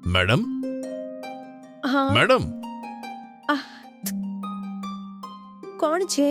Madam હા madam આહ, કોણ છે?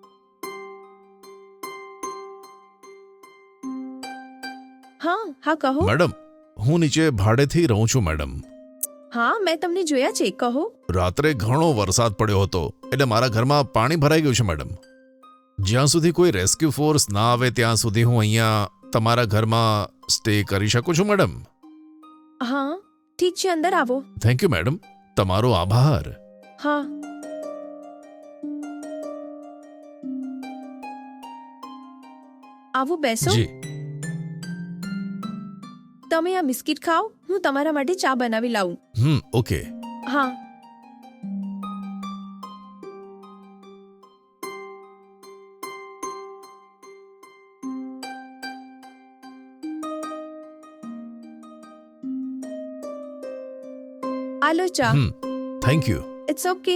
હા હા કહો. મેડમ હું નીચે ભાડેથી રહું છું મેડમ. હા મેં તમને જોયા છે, કહો. રાત્રે ઘણો વરસાદ પડ્યો હતો એટલે મારા ઘરમાં પાણી ભરાઈ ગયું છે મેડમ. જ્યાં સુધી કોઈ રેસ્ક્યુ ફોર્સ ના આવે ત્યાં સુધી હું અહીંયા તમારા ઘરમાં સ્ટે કરી શકું છું મેડમ. હા ઠીક છે, અંદર આવો. થેન્ક યુ મેડમ, તમારો આભાર. હા આવો બેસો. જી તમે આ બિસ્કિટ ખાઓ, હું તમારા માટે ચા બનાવી લાવું. ઓકે. હા આલો ચા. Thank you. It's okay.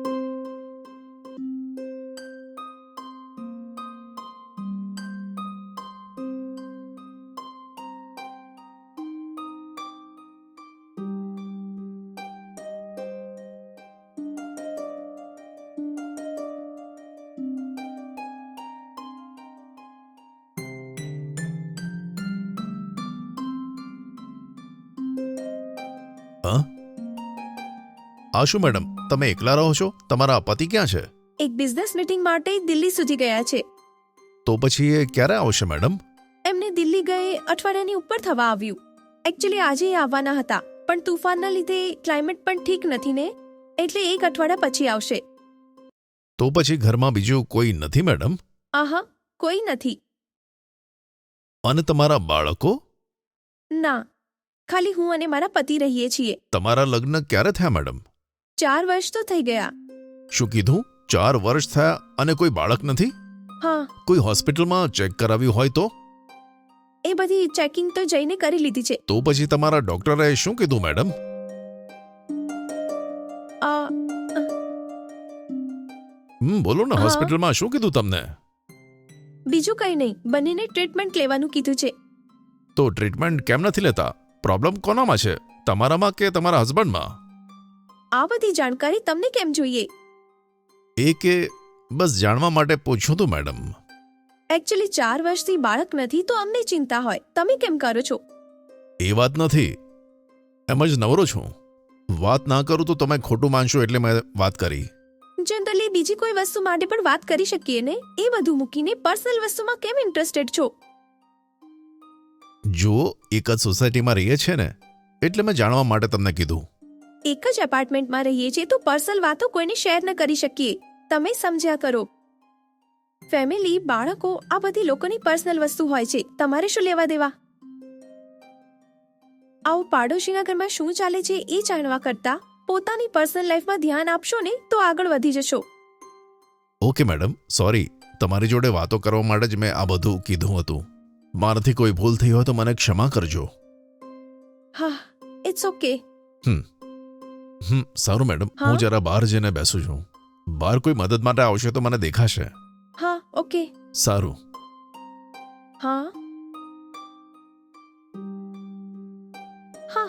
આ શું મેડમ, તમે એકલા રહો છો? તમારા પતિ ક્યાં છે? એક બિઝનેસ મીટિંગ માટે દિલ્હી સુધી ગયા છે. તો પછી એ ક્યારે આવશે મેડમ? એમને દિલ્હી ગયે અઠવાડિયાની ઉપર થવા આવ્યું. એકચ્યુઅલી આજે એ આવવાના હતા, પણ તુફાનના લીધે ક્લાઇમેટ પણ ઠીક નથી ને, એટલે એક અઠવાડિયા પછી આવશે. તો પછી ઘરમાં બીજું કોઈ નથી મેડમ? આહા, કોઈ નથી. અને તમારા બાળકો? ના, ખાલી હું અને મારા પતિ રહીએ છીએ. તમારા લગ્ન ક્યારે થયા મેડમ? 4 વર્ષ તો થઈ ગયા. શું કીધું? 4 વર્ષ થયા અને કોઈ બાળક નથી? હા, કોઈ હોસ્પિટલમાં ચેક કરાવ્યું હોય તો? એ બધી ચેકિંગ તો જઈને કરી લીધી છે. તો પછી તમારા ડોક્ટરે શું કીધું મેડમ? આ બોલો ને, હા. હોસ્પિટલમાં શું કીધું તમને? બીજું કંઈ નહીં, બંનેને ટ્રીટમેન્ટ લેવાનું કીધું છે. તો ટ્રીટમેન્ટ કેમ નથી લેતા? પ્રોબ્લેમ કોનામાં છે, તમારામાં કે તમારા હસબન્ડમાં? આ બધી જાણકારી તમને કેમ જોઈએ? એ કે બસ જાણવા માટે પૂછ્યું તું મેડમ. એકચ્યુઅલી 4 વર્ષથી બાળક નથી તો અમને ચિંતા હોય. તમે કેમ કરો છો? એ વાત નથી, એમ જ નવરો છું. વાત ના કરું તો તમે ખોટું માનશો એટલે મેં વાત કરી. જનરલી બીજી કોઈ વસ્તુ માટે પણ વાત કરી શકીએ ને, એ બધું મૂકીને પર્સનલ વસ્તુમાં કેમ ઇન્ટરેસ્ટેડ છો? જો એક જ સોસાયટીમાં રહીએ છે ને, એટલે મેં જાણવા માટે તમને કીધું. એક જ એપાર્ટમેન્ટમાં રહીએ છીએ તો પર્સનલ વાતો કોઈને શેર ન કરી શકીએ. તમે સમજ્યા કરો. ફેમિલી, બાળકો, આ બધી લોકોની પર્સનલ વસ્તુ હોય છે, તમારે શું લેવા દેવા? આવું પાડોશીના ઘરમાં શું ચાલે છે એ જાણવા કરતા પોતાની પર્સનલ લાઈફમાં ધ્યાન આપશો ને તો આગળ વધી જશો. Okay madam, sorry. તમારી જોડે વાતો કરવા માટે જ મેં આ બધું કીધું હતું. મારાથી કોઈ ભૂલ થઈ હોય તો મને ક્ષમા કરજો. હા, ઇટ્સ ઓકે. સારું મેડમ, હા? હું જરા બહાર જઈને બેસું છું. બહાર કોઈ મદદ માટે આવશે તો મને દેખાશે. હા, ઓકે. સારું. હા હા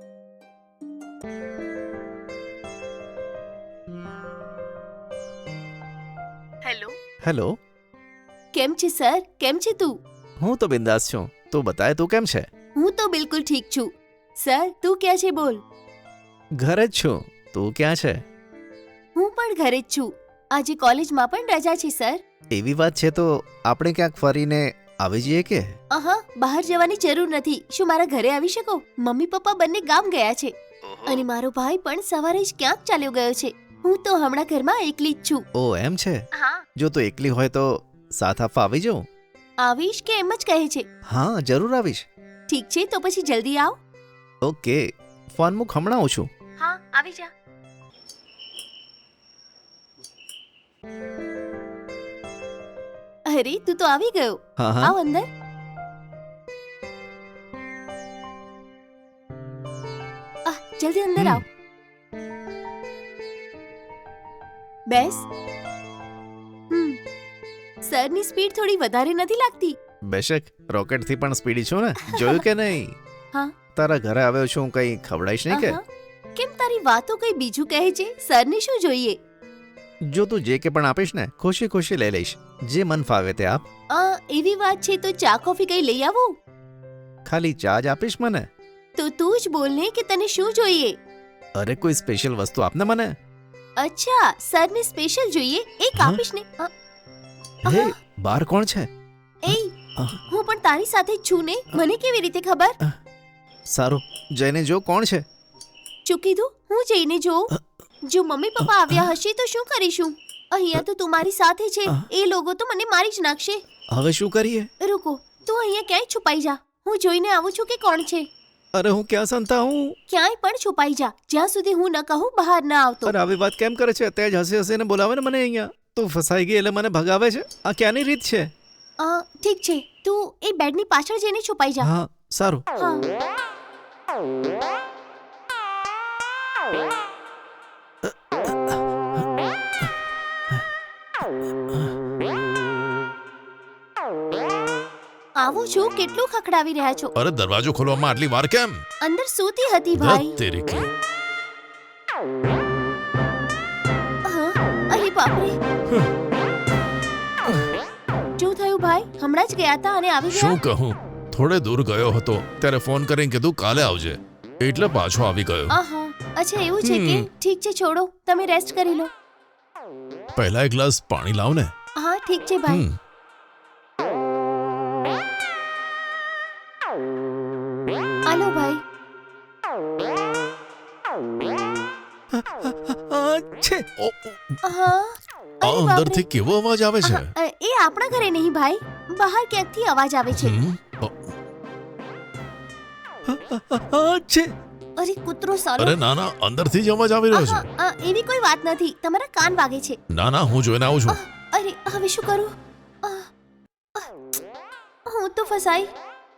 હેલો, હેલો. કેમ છે સર? કેમ છે તું? હું તો બિંદાસ છું. તું બતાય, તું કેમ છે? હું તો બિલકુલ ઠીક છું. સર, તું ક્યાં છે બોલ? ઘરે જ છું. તું ક્યાં છે? હું પણ ઘરે જ છું. આજે કોલેજમાં પણ રજા છે સર. એવી વાત છે તો આપણે ક્યાંક ફરીને આવી જઈએ કે? આહા, બહાર જવાની જરૂર નથી. શું મારા ઘરે આવી શકો? મમ્મી પપ્પા બંને ગામ ગયા છે અને મારો ભાઈ પણ સવારે જ ક્યાંક ચાલ્યો ગયો છે. હું તો હમણાં ઘરમાં એકલી જ છું. ઓ એમ છે? હા. જો તું એકલી હોય તો સાથ આપવા આવી જાઉં? આવીશ કે એમ જ કહે છે? હા, જરૂર આવીશ. ઠીક છે, તો પછી જલ્દી આવ. ઓકે, ફોન મૂક, હમણાં આવું છું. હા, આવી જા. અરે, તું તો આવી ગયો. હા હા. આવ અંદર. જલ્દી અંદર આવ. બેસ. સરની સ્પીડ થોડી વધારે નથી લાગતી? બેશક, રોકેટથી પણ સ્પીડી છું ને, જોયું કે નહીં? હા. તારા ઘરે આવ્યો છું, કંઈ ખવડાવીશ નહીં કે? આહા, કેમ તારી વાતો કઈ બીજું કહે છે? સરને શું જોઈએ? જો તું જે કે પણ આપીશ ને ખુશી ખુશી લઈ લઈશ, જે મન ફાવે તે આપ. એવી વાત છે તો ચા કોફી કઈ લઈ આવું? ખાલી ચા જ આપીશ મને? તો તું જ બોલ ને કે તને શું જોઈએ. અરે કોઈ સ્પેશિયલ વસ્તુ આપને મને. અચ્છા, સરને સ્પેશિયલ જોઈએ, એક હા? આપીશ ને. હે, બહાર કોણ છે? એ હું પણ તારી સાથે જ છું ને, મને કેવી રીતે ખબર? સારું, જઈને જો કોણ છે. શું કીધું? હું જઈને જોઉં? જો મમ્મી પપ્પા આવ્યા હશે તો શું કરીશું? અહીંયા તો તું મારી સાથે છે, એ લોકો તો મને મારી જ નાખશે. હવે શું કરીએ? રૂકો, તું અહીંયા ક્યાંય છુપાઈ જા, હું જોઈને આવું છું કે કોણ છે. અરે હું ક્યાં સંતા હું? ક્યાંય પણ છુપાઈ જા, જ્યાં સુધી હું ન કહું બહાર ના આવતો. અરે આવી વાત કેમ કરે છે? તે જ હસી હસીને બોલાવે ને મને અહીંયા. તું ફસાઈ ગઈ એટલે મને ભગાવે છે? આ ક્યાંની રીત છે? ઠીક છે, તું એ બેડની પાછળ જઈને છુપાઈ જા. હા સારું. હા. આવું છું, કેટલું ખખડાવી રહ્યા છો? અરે દરવાજો ખોલવામાં આટલી વાર કેમ? અંદર સૂતી હતી ભાઈ. ધત તેરી કી. અરે બાપરે, શું થયું ભાઈ? હમણાં જ ગયા હતા અને આવી ગયા? શું કહું, થોડે દૂર ગયો હતો ત્યારે ફોન કરીને કીધું કાલે આવજે, એટલે પાછો આવી ગયો. આહા, અચ્છા એવું છે કે? ઠીક છે, છોડો, તમે રેસ્ટ કરી લો. પહેલા એક ગ્લાસ પાણી લાવ ને. હા ઠીક છે ભાઈ. આલો ભાઈ. છે. હા. આ અંદરથી કેવો અવાજ આવે છે? એ આપણા ઘરે નહીં ભાઈ, બહાર ક્યાંકથી અવાજ આવે છે. છે. અરે કૂતરો સાલો. અરે ના ના, અંદરથી જ અવાજ આવી રહ્યો છે. એવી કોઈ વાત નથી, તમારા કાન વાગે છે. ના ના, હું જોઈને આવું છું. અરે હવે શું કરું? હું તો ફસાઈ.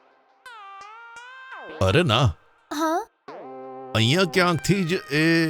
અરે ના, હા. અહીંયા ક્યાંકથી જ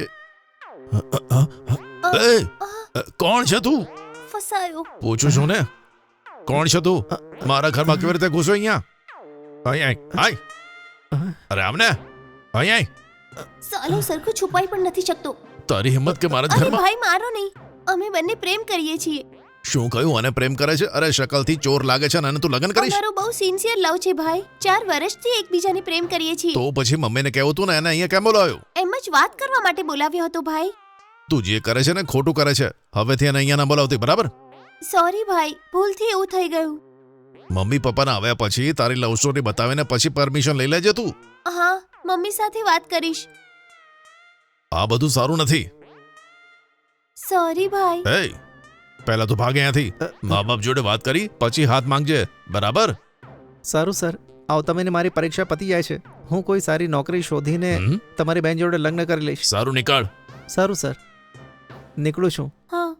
કોણ છે તું? ફસાયો. પૂછું છું ને, કોણ છે તું? મારા ઘરમાં કેવી રીતે ઘૂસો અહીંયા? અહીંયા આય. અરે આમને અહીંયા. સાલો સરખું છુપાઈ પણ નથી શકતો. તારી હિંમત કે મારા જ અરે ઘરમાં? ભાઈ મારો નહીં, અમે બંને પ્રેમ કરીએ છીએ. શું કહ્યું? અને પ્રેમ કરે છે? અરે શકલથી ચોર લાગે છે અને તું લગ્ન કરીશ? અમારો બહુ સિન્સિયર લવ છે ભાઈ, 4 વર્ષથી એકબીજાને પ્રેમ કરીએ છીએ. તો પછી મમ્મીને કહેવું તું ને, એને અહીંયા કેમ બોલાવ્યો? એમ જ વાત કરવા માટે બોલાવ્યો હતો ભાઈ. તું જે કરે છે ને ખોટું કરે છે. હવેથી એને અહીંયા ના બોલાવતી, બરાબર? સોરી ભાઈ, ભૂલથી એવું થઈ ગયું. મમ્મી પપ્પાના આવ્યા પછી તારી લવ સ્ટોરી બતાવીને પછી પરમિશન લઈ લેજે તું. હા, મમ્મી સાથે વાત કરીશ. આ બધું સારું નથી. સોરી ભાઈ. એ પહેલા તો ભાગ અહીંયાથી. મા બાપ જોડે વાત કરી પછી હાથ માંગજે, બરાબર? સારું સર, આવતા મહિને મારી પરીક્ષા પતી જાય છે. હું કોઈ સારી નોકરી શોધીને તમારી બેન જોડે લગ્ન કરી લઈશ. સારું, નીકળ. સારું સર, નીકળું છું. હા.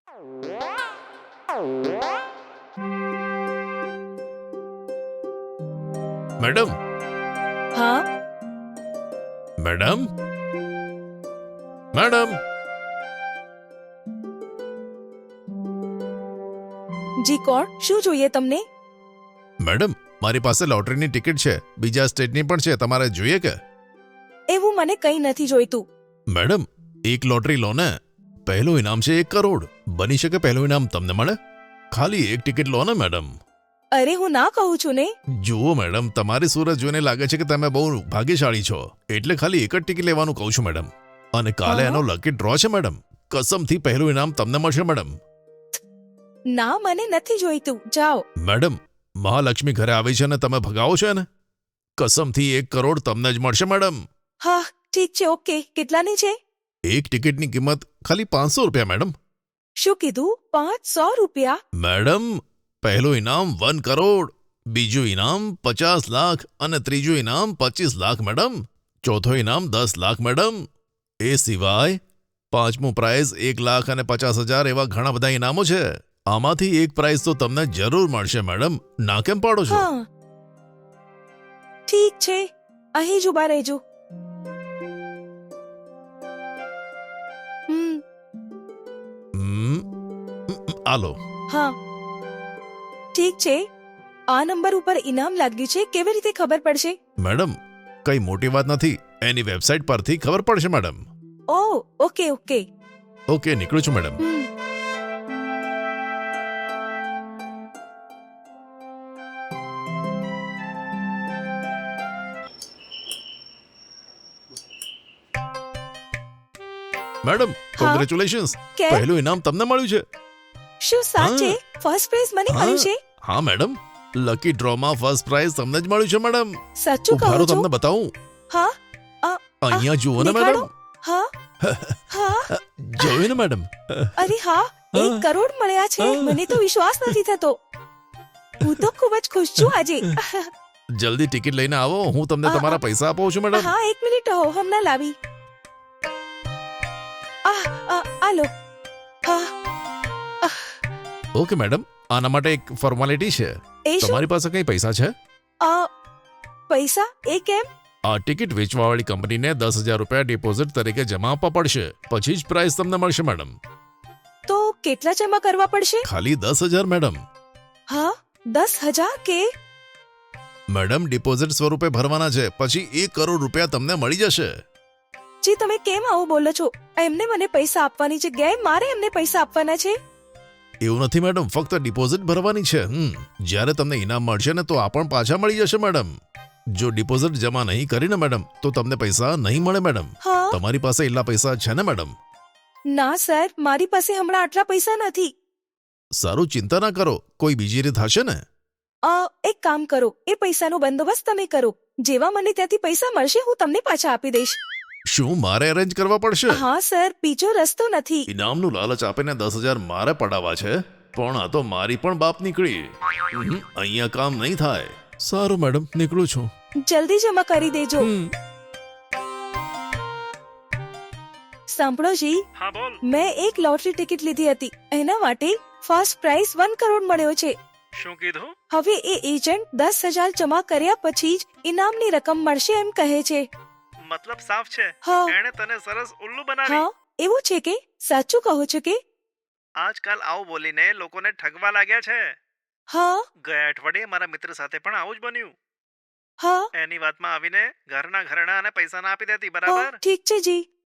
મેડમ. હા મેડમ. મેડમ. જી કોણ? શું જોઈએ તમને? મેડમ, મારી પાસે લોટરીની ટિકિટ છે, બીજા સ્ટેટની પણ છે, તમારે જોઈએ કે? એવું મને કંઈ નથી જોઈતું. મેડમ, એક લોટરી લો ને, પહેલું ઇનામ છે 1 કરોડ. બની શકે પહેલું ઇનામ તમને મળે. ખાલી એક ટિકિટ લો ને મેડમ. અરે હું ના કહું છું ને. જુઓ મેડમ, તમારી સુરત જોઈને લાગે છે કે તમે બહુ ભાગ્યશાળી છો, એટલે ખાલી એક જ ટિકિટ લેવાનું કહું છું મેડમ. અને કાલે હા? એનો લકી ડ્રો છે મેડમ. કસમથી પહેલું ઇનામ તમને મળશે મેડમ. ના, મને નથી જોઈતું, જાઓ. મેડમ, મહાલક્ષ્મી ઘરે આવી છે ને તમે ભગાવો છો ને? કસમથી 1 કરોડ તમને જ મળશે મેડમ. હા ઠીક છે, ઓકે. કેટલાની છે? એક ટિકિટની કિંમત ખાલી 500 રૂપિયા મેડમ. શું કીધું? 500 રૂપિયા? મેડમ, પહેલું ઇનામ 1 કરોડ, બીજું ઇનામ 50 લાખ અને ત્રીજું ઇનામ 25 લાખ મેડમ. ચોથો ઇનામ 10 લાખ મેડમ. એ સિવાય પાંચમું પ્રાઇઝ 1 લાખ અને 50,000 એવા ઘણા બધા ઇનામો છે. આમાંથી એક પ્રાઇઝ તો તમને જરૂર મળશે મેડમ. ના કેમ પાડો છો? હા ઠીક છે, અહીં જ ઉભા રહેજો. આલો. હા ઠીક છે. આ નંબર ઉપર ઇનામ લાગ્યું છે, કેવી રીતે ખબર પડશે? મેડમ, કઈ મોટી વાત નથી, એની વેબસાઇટ પરથી ખબર પડશે madam. Oh okay okay. Okay, નીકળું છું મેડમ. હમ. મેડમ, હા? કોંગ્રેચ્યુલેશન્સ. કે પહેલું ઇનામ તમને મળ્યું છે. શું સાચે ફર્સ્ટ પ્રાઇઝ મને હા. મળ્યું છે? હા મેડમ, લકી ડ્રોમાં ફર્સ્ટ પ્રાઇઝ તમને જ મળ્યું છે મેડમ. સાચું કહો ઉભારો છો? તમને બતાવું. હા અહીંયા જુઓ ને દેખાડો. મેડમ. હા હા. જોયું ને મેડમ. અરે હા, 1 કરોડ મળ્યા છે. મને તો વિશ્વાસ નથી થતો. હું તો ખૂબ જ ખુશ છું આજે. જલ્દી ટિકિટ લઈને આવો, હું તમને તમારા પૈસા આપું છું મેડમ. હા, 1 મિનિટ હો, હમણાં લાવી. આ લો. હા. ઓકે મેડમ, આના માટે એક ફોર્માલિટી છે. એ શું? તમારી પાસે કઈ પૈસા છે? પૈસા એ કેમ? આ ટિકિટ વેચવાવાળી કંપનીને 10,000 રૂપિયા ડિપોઝિટ તરીકે જમા આપવા પડશે, પછી જ પ્રાઇઝ તમને મળશે મેડમ. તો કેટલા જમા કરવા પડશે? ખાલી 10,000 મેડમ. હા, 10,000 કે? મેડમ, ડિપોઝિટ સ્વરૂપે ભરવાના છે, પછી 1 કરોડ રૂપિયા તમને મળી જશે. જી, તમે કેમ આવું બોલો છો? એમને મને પૈસા આપવાની જગ્યાએ મારે એમને પૈસા આપવાના છે? એવું નથી મેડમ, ફક્ત ડિપોઝિટ ભરવાની છે. જ્યારે તમને ઇનામ મળશે ને તો આ પણ પાછા મળી જશે મેડમ. જો ડિપોઝિટ જમા નહીં કરીને મેડમ, તો તમને પૈસા નહીં મળે મેડમ. હા. તમારી પાસે એટલા પૈસા છે ને મેડમ? ના સર, મારી પાસે હમણાં આટલા પૈસા નથી. સારું, ચિંતા ના કરો, કોઈ બીજી રીત હશે ને. એક કામ કરો, એ પૈસાનો બંદોબસ્ત તમે કરો. જેવા મને ત્યાંથી પૈસા મળશે હું તમને પાછા આપી દઈશ. શું મારે અરેન્જ કરવા પડશે? હા સર, બીજો રસ્તો નથી. ઇનામનું લાલચ આપીને 10,000 મારે પડાવવા છે, પણ આ તો મારી પણ બાપ નીકળી. અહીંયા કામ નહીં થાય. સારું મેડમ, નીકળું છું. જલ્દી જમા કરી દેજો. સાંભળો જી, હા બોલ. મેં એક લોટરી ટિકિટ લીધી હતી. એના માટે ફર્સ્ટ પ્રાઇઝ 1 કરોડ મળ્યો છે. શું કીધું? હવે એ એજન્ટ 10,000 જમા કર્યા પછી જ ઇનામની રકમ મળશે એમ કહે છે. મતલબ સાફ છે, હા એણે તને સરસ ઉલ્લુ હા, એવું છે કે? સાચું કહો છો કે? આજકાલ આવું બોલીને લોકોને ઠગવા લાગ્યા છે. હા ગયા અઠવાડિયે મારા મિત્ર સાથે પણ આવું જ બન્યું. હા એની વાતમાં આવીને ઘરના ઘરણા અને પૈસા ના આપી દેતી, હા, બરાબર? ઠીક છે જી.